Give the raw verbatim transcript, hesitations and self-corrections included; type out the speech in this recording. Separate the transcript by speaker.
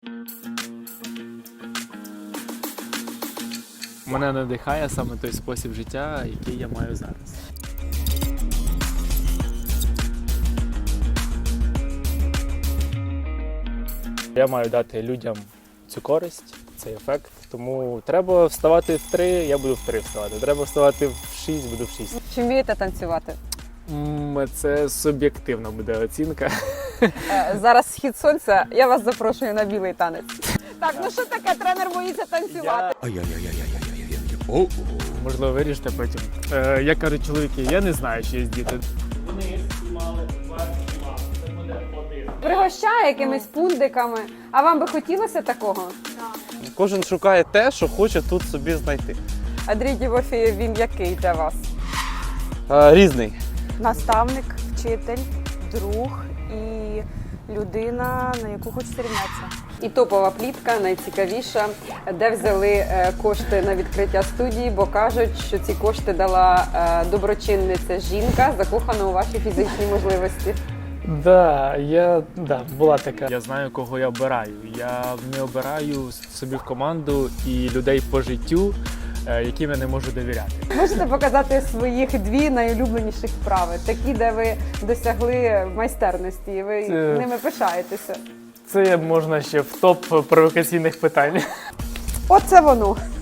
Speaker 1: Мене надихає саме той спосіб життя, який я маю зараз. Я маю дати людям цю користь, цей ефект, тому треба вставати в три, я буду в три вставати. Треба вставати в шість, буду в шість.
Speaker 2: Чи вмієте танцювати?
Speaker 1: М, Це суб'єктивна буде оцінка.
Speaker 2: Е, Зараз схід сонця, я вас запрошую на білий танець. Так, ну що таке, тренер боїться танцювати?
Speaker 3: О,
Speaker 1: Можливо, вирішите потім. Е, як кажуть чоловіки, я не знаю, чи є діти. Вони знімали вверх знімали, це буде один.
Speaker 2: Пригощає якимись пундиками. А вам би хотілося такого?
Speaker 4: Кожен шукає те, що хоче тут собі знайти.
Speaker 2: Андрій Тімофєєв, він який для вас?
Speaker 4: Е, Різний.
Speaker 2: Наставник, вчитель, друг і людина, на яку хочеться рівнятися. І топова плітка, найцікавіша, де взяли е, кошти на відкриття студії, бо кажуть, що ці кошти дала е, доброчинниця жінка, закохана у ваші фізичні можливості.
Speaker 1: Да, я да, була така. Я знаю, кого я обираю. Я не обираю собі в команду і людей по життю, е, яким я не можу довіряти.
Speaker 2: Можете показати своїх дві найулюбленіших вправи, такі, де ви досягли майстерності, і ви
Speaker 1: Це-
Speaker 2: ними пишаєтеся.
Speaker 1: Це можна ще в топ провокаційних питань.
Speaker 2: Оце воно.